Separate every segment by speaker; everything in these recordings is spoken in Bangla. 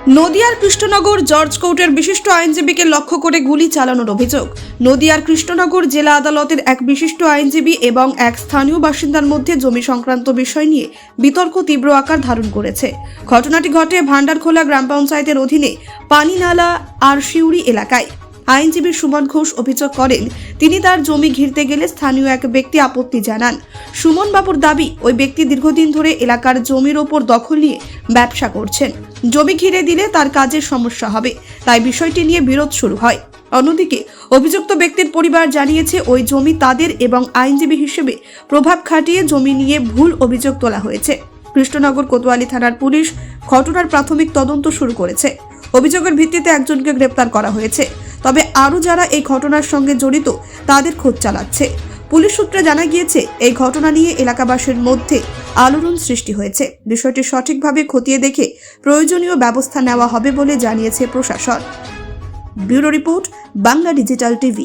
Speaker 1: নদিয়ার কৃষ্ণনগর জর্জ কোর্টের বিশিষ্ট আইনজীবীকে লক্ষ্য করে গুলি চালানোর অভিযোগ। নদিয়ার কৃষ্ণনগর জেলা আদালতের এক বিশিষ্ট আইনজীবী এবং এক স্থানীয় বাসিন্দার মধ্যে জমি সংক্রান্ত বিষয় নিয়ে বিতর্ক তীব্র আকার ধারণ করেছে। ঘটনাটি ঘটে ভান্ডারখোলা গ্রাম পঞ্চায়েতের অধীনে পানিনালা আর শিউরি এলাকায়। আইনজীবী সুমন ঘোষ অভিযোগ করেন, তিনি তার জমি ঘিরতে গেলে স্থানীয় এক ব্যক্তি আপত্তি জানান। সুমন বাবুর দাবি, ওই ব্যক্তি দীর্ঘদিন ধরে এলাকার জমির ওপর দখল নিয়ে ব্যবসা করছেন। জমি ঘিরে দিলে তার কাজের সমস্যা হবে, তাই বিষয়টি নিয়ে বিরোধ শুরু হয়। অন্যদিকে অভিযুক্ত ব্যক্তির পরিবার জানিয়েছে, ওই জমি তাদের এবং আইনজীবী হিসেবে প্রভাব খাটিয়ে জমি নিয়ে ভুল অভিযোগ তোলা হয়েছে। কৃষ্ণনগর কোতোয়ালি থানার পুলিশ ঘটনার প্রাথমিক তদন্ত শুরু করেছে। অভিযোগের ভিত্তিতে একজনকে গ্রেপ্তার করা হয়েছে, তবে আরও যারা এই ঘটনার সঙ্গে জড়িত তাদের খোঁজ চালাচ্ছে। পুলিশ সূত্রে জানা গিয়েছে, এই ঘটনা নিয়ে এলাকাবাসীর মধ্যে আলোড়ন সৃষ্টি হয়েছে। বিষয়টি সঠিকভাবে খতিয়ে দেখে প্রয়োজনীয় ব্যবস্থা নেওয়া হবে বলে জানিয়েছে প্রশাসন। Bureau report, Bangla digital TV.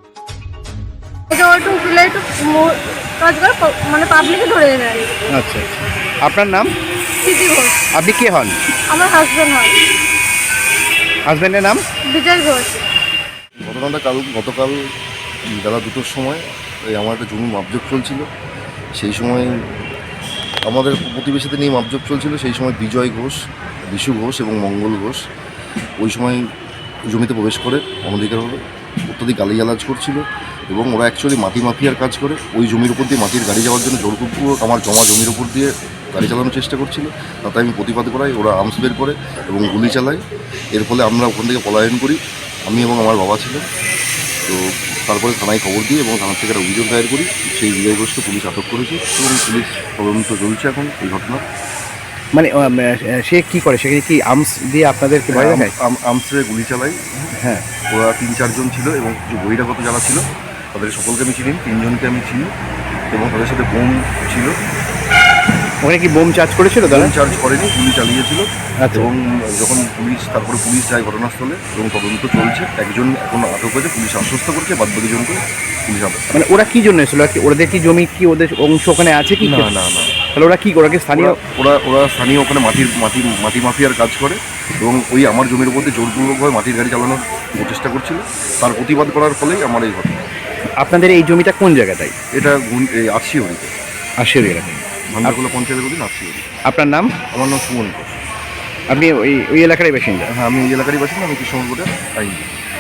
Speaker 2: মানে পাবলিকে ধরে নেয়।
Speaker 3: আচ্ছা, আপনার নাম?
Speaker 2: সিটি ঘোষ।
Speaker 3: আপনি কে হন?
Speaker 2: আমার হাজবেন্ড হয়।
Speaker 3: হাজবেন্ডের নাম?
Speaker 2: বিজয় ঘোষ।
Speaker 4: ঘটনাটা গতকাল বেলা 2টোর সময় আমার একটা জমি মাপজোক চলছিল। সেই সময় আমাদের প্রতিবেশীদের নিয়ে মাপজোক চলছিল। সেই সময় বিজয় ঘোষ, বিশু ঘোষ এবং মঙ্গল ঘোষ ওই সময় জমিতে প্রবেশ করে অনধিকারভাবে অত্যধিক গালিগালাজ করছিল এবং ওরা অ্যাকচুয়ালি মাটি মাফিয়ার কাজ করে। ওই জমির উপর দিয়ে মাটির গাড়ি যাওয়ার জন্য জোরপূর্বক আমার জমা জমির উপর দিয়ে গাড়ি চালানোর চেষ্টা করছিল। তাতে আমি প্রতিবাদ করাই, ওরা আর্মস বের করে এবং গুলি চালায়। এর ফলে আমরা ওখান থেকে পলায়ন করি, আমি এবং আমার বাবা ছিল। তো তারপরে থানায় খবর দিই এবং থানার থেকে একটা অভিযোগ দায়ের করি। সেই বিজয় ঘোষকে পুলিশ আটক করেছে এবং পুলিশ তদন্ত চলছে এখন এই ঘটনা।
Speaker 3: মানে সে কি করে? সেখানে কি আর্মস দিয়ে আপনাদেরকে ভয় দেখায়?
Speaker 4: আর্মসে গুলি চালাই।
Speaker 3: হ্যাঁ,
Speaker 4: ওরা 3-4 জন ছিল এবং কিছু বহিরাগত যারা ছিল তাদের সকলকে আমি চিনি, 3 জনকে আমি চিনি এবং তাদের সাথে বোম ছিল।
Speaker 3: ওখানে কি বোম চার্জ করেছিল?
Speaker 4: বোম চার্জ করেনি, গুলি চালিয়েছিল।
Speaker 3: আচ্ছা।
Speaker 4: এবং যখন তারপরে পুলিশ যায় ঘটনাস্থলে এবং তদন্ত চলছে। একজন এখন আটক হয়েছে, পুলিশ আশ্বস্ত করছে, বাদ বাকি জনকে পুলিশ আটক।
Speaker 3: মানে ওরা কি জন্য এসেছিল? ওদের কি জমি, কি ওদের অংশ ওখানে আছে কি?
Speaker 4: না না না,
Speaker 3: তাহলে ওরা কি, ওরা কি স্থানীয়?
Speaker 4: ওরা স্থানীয় ওখানে মাটি মাফিয়ার কাজ করে এবং ওই আমার জমির উপর দিয়ে জোরপূর্বকভাবে মাটির গাড়ি চালানোর প্রচেষ্টা করছিল। তার প্রতিবাদ করার ফলেই আমার এই ঘটনা।
Speaker 3: আপনাদের এই জমিটা কোন জায়গাটাই?
Speaker 4: এটা আশিউরিতে,
Speaker 3: আশিউরি এলাকায়,
Speaker 4: ভান্ডারখোলা পঞ্চায়েতের অধীন আশিউরি।
Speaker 3: আপনার নাম?
Speaker 4: আমার নাম সুমন ঘোষ।
Speaker 3: আপনি ওই এলাকারই বাসিন্দা?
Speaker 4: হ্যাঁ, আমি এই এলাকারই বাসিন্দা। আমি কৃষ্ণনগরের আইনজীবী।